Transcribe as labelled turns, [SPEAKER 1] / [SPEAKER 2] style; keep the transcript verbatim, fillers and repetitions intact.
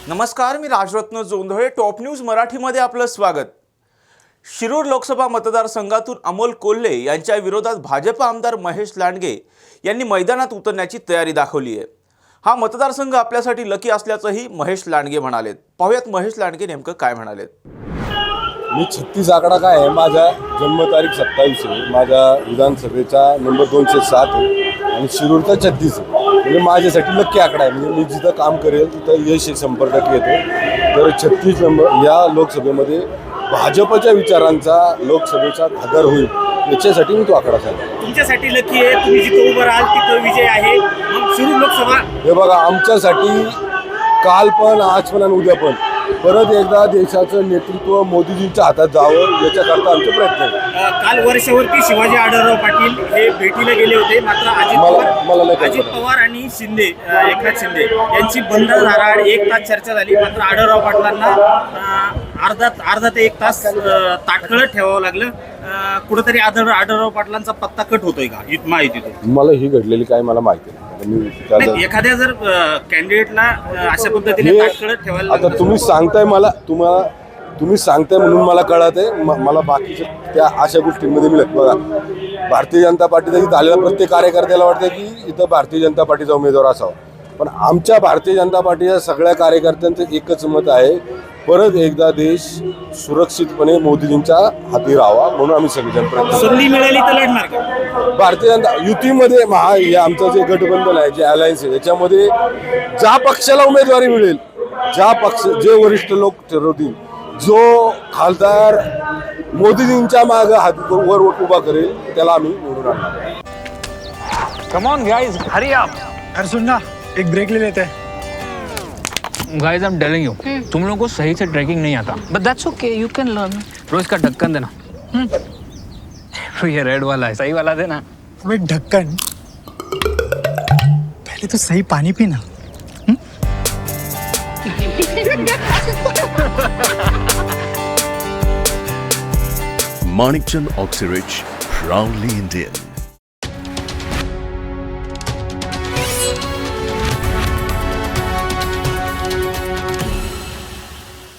[SPEAKER 1] नमस्कार, मी Rajratna Jondhale. Top news मराठीमध्ये आपलं स्वागत. शिरूर लोकसभा मतदारसंघातून अमोल कोल्हे यांच्या विरोधात भाजप आमदार महेश लांडगे यांनी मैदानात उतरण्याची तयारी दाखवली आहे. हा मतदारसंघ आपल्यासाठी लकी असल्याचंही महेश लांडगे म्हणालेत. पाहूयात महेश लांडगे नेमकं काय म्हणालेत.
[SPEAKER 2] मी छत्तीस आकडा काय आहे, माझा जन्मतारीख सत्तावीस आहे, माझ्या विधानसभेचा नंबर दोनशे सात आहे आणि शिरूरचा छत्तीस आहे. म्हणजे माझ्यासाठी नक्की आकडा आहे. म्हणजे मी जिथं काम करेल तिथं यश शंभर टक्के येतो. तर छत्तीस नंबर या लोकसभेमध्ये भाजपच्या विचारांचा लोकसभेचा खासदार होईल याच्यासाठी मी तो आकडा सांगतो.
[SPEAKER 3] तुमच्यासाठी लकी आहे, तुम्ही जिथं उभं राहाल तिथं विजय आहे. मग शिरूर लोकसभा
[SPEAKER 2] हे बघा, आमच्यासाठी काल पण आज पण आणि उद्या पण परत एकदा देशाचं नेतृत्व मोदीजींच्या हातात जावं याच्याकरता आमचे प्रयत्न आहेत.
[SPEAKER 3] काल वर्षावरती शिवाजी आढळराव पाटील हे भेटीला गेले होते, मात्र अजित
[SPEAKER 2] मला-
[SPEAKER 3] पवार
[SPEAKER 2] मला नाही
[SPEAKER 3] अजित
[SPEAKER 2] कल्पना.
[SPEAKER 3] पवार आणि शिंदे अ, एकनाथ शिंदे यांची बंद दाराआड एक तास चर्चा झाली. मात्र आढळराव पाटलांना अ, अर्धा अर्धा ते एक तास अ, ताटकळत ठेवावं लागलं. अ, कुठंतरी आढळ आढळराव पाटलांचा पत्ता कट होतोय का इत माहितीतून?
[SPEAKER 2] मला ही घडलेली काय मला माहिती नाही. मी त्याचं-
[SPEAKER 3] नाही, एखाद्या जर कॅन्डिडेटला अशा पद्धतीने
[SPEAKER 2] हे
[SPEAKER 3] ताटकळत ठेवायला
[SPEAKER 2] आता
[SPEAKER 3] लागलं
[SPEAKER 2] तुम्ही सांगताय मला, तुम्हाला तुम्ही सांगताय म्हणून मला कळत आहे. म- मला बाकीच्या त्या अशा गोष्टींमध्ये मी लक्ष बघा, भारतीय जनता पार्टीचा इथं आलेला प्रत्येक कार्यकर्त्याला वाटतं की इथं भारतीय जनता पार्टीचा उमेदवार असावा, पण आमच्या भारतीय जनता पार्टीच्या सगळ्या कार्यकर्त्यांचं एकच मत आहे, परत एकदा देश सुरक्षितपणे मोदीजींच्या हाती राहावा म्हणून आम्ही सगळेजण प्रयत्न करतो.
[SPEAKER 3] संधी मिळाली तर लढणार का?
[SPEAKER 2] भारतीय जनता युतीमध्ये महा हे आमचं जे गठबंधन आहे, जे अलायन्स आहे, त्याच्यामध्ये ज्या पक्षाला उमेदवारी मिळेल, ज्या पक्ष जे वरिष्ठ लोक ठरवतील, जो खासदार मोदीजींच्या मागे हात वर उभा करेल त्याला आम्ही निवडून आणणार.
[SPEAKER 4] Come on guys, hurry up.
[SPEAKER 5] अरे सुन ना, एक ब्रेक ले लेते हैं.
[SPEAKER 4] Guys, I'm telling you, तुम लोगों को सही से ट्रैकिंग नहीं आता.
[SPEAKER 6] But that's okay, you can learn.
[SPEAKER 4] रोज का ढक्कन देना. तो ये रेड वाला है, सही वाला देना.
[SPEAKER 5] अबे ढक्कन, पहले तो सही पानी पीना.
[SPEAKER 7] Manikchand Oxyrich, proudly Indian.